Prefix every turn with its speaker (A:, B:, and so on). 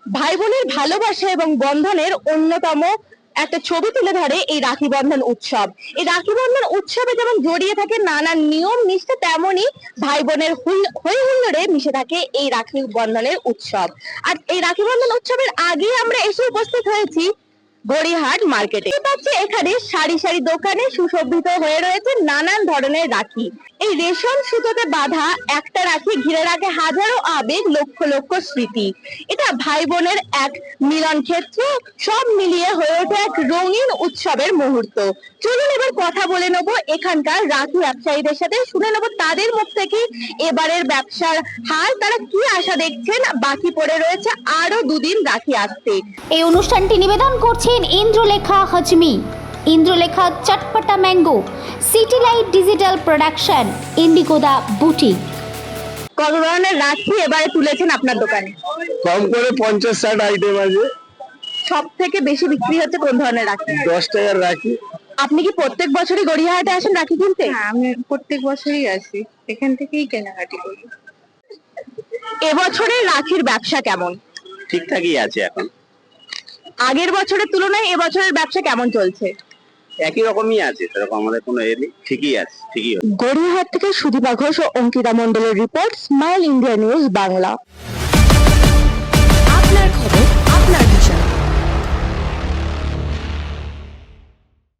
A: ভাই বোনের ভালোবাসা এবং বন্ধনের অন্যতম একটা ছবি তুলে ধরে এই রাখি বন্ধন উৎসব। এই রাখি বন্ধন উৎসবে যেমন জড়িয়ে থাকে নানান নিয়ম নিষ্ঠা, তেমনই ভাই বোনের হই হুল্লোড়ে মিশে থাকে এই রাখি বন্ধনের উৎসব। আর এই রাখি বন্ধন উৎসবের আগে আমরা এসে উপস্থিত হয়েছি গড়িয়াহাট মার্কেটে। পাচ্ছি এখানে সারি সারি দোকানে সুশোভিত হয়ে রয়েছে নানান ধরনের রাখি। এই রেশম সুতোতে বাঁধা একটা রাখি ঘিরে রাখে হাজারো আবেগ, লক্ষ লক্ষ স্মৃতি। এটা ভাই বোনের এক মিলন ক্ষেত্র, সব মিলিয়ে হয়ে ওঠে এক রঙিন উৎসবের মুহূর্ত। চলুন এবার কথা বলে নেব এখানকার রাখি ব্যবসায়ীদের সাথে, শুনে নেব তাদের মুখ থেকে এবারের ব্যবসার হাল, তারা কি আশা দেখছেন। বাকি পড়ে রয়েছে আরো দুদিন রাখি আসতে।
B: এই অনুষ্ঠানটি নিবেদন করছেন Indralekha Hajmi, Indralekha Chatpata mango, city light digital production, ইন্ডিগোদা বুটিক।
A: কত ধরনের রাখি এবারে তুলেছেন আপনার দোকানে?
C: কম করে 50-60 আইটেম আছে।
A: সব থেকে বেশি বিক্রি হচ্ছে কোন ধরনের রাখি?
C: 10 টাকার রাখি।
A: আপনি কি প্রত্যেক বছরই গড়িয়াহাটে আসেন রাখি কিনতে?
D: হ্যাঁ, আমি প্রত্যেক বছরই আসি, এখান থেকেই কেনাকাটি করি।
A: এবছরের রাখির ব্যবসা কেমন?
C: ঠিকঠাকই আছে এখন,
A: আগের বছরের তুলনায় এবছরের ব্যবসা কেমন চলছে?
C: একই রকমই আছে, সেরকম আমাদের কোনো এ নেই, ঠিকই আছে, ঠিকই আছে।
A: গড়িয়াহাট থেকে সুদীপা ঘোষ ও অঙ্কিতা মণ্ডলের report, smile India news Bangla.
E: আপনার খবর